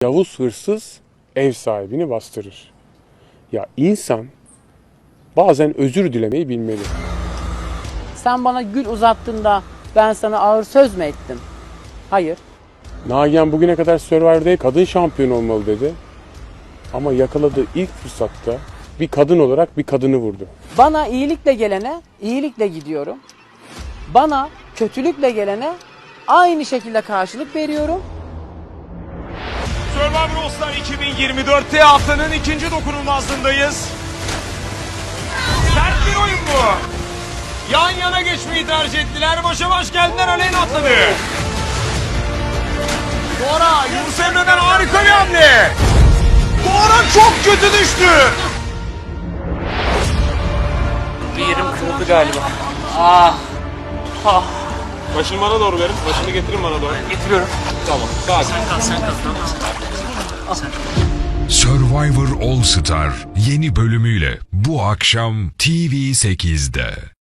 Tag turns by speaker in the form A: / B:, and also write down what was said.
A: Yavuz hırsız ev sahibini bastırır. Ya insan bazen özür dilemeyi bilmeli.
B: Sen bana gül uzattığında ben sana ağır söz mü ettim? Hayır.
A: Nagihan bugüne kadar Survivor'da kadın şampiyon olmalı dedi. Ama yakaladığı ilk fırsatta bir kadın olarak bir kadını vurdu.
B: Bana iyilikle gelene iyilikle gidiyorum. Bana kötülükle gelene aynı şekilde karşılık veriyorum.
C: Survivor All Star 2024'te haftanın ikinci dokunulmazlığındayız. Sert bir oyun bu. Yan yana geçmeyi tercih ettiler. Başa baş geldiler. Aleyna atladı. Dora, Yunus Emre'den harika bir hamle. Dora çok kötü düştü.
D: Bir yerim kırıldı galiba.
C: Başını bana doğru verin. Başını getirin bana doğru.
D: Getiriyorum.
C: Tamam. Sakin.
D: Sen kal.
E: Survivor All Star yeni bölümüyle bu akşam TV8'de.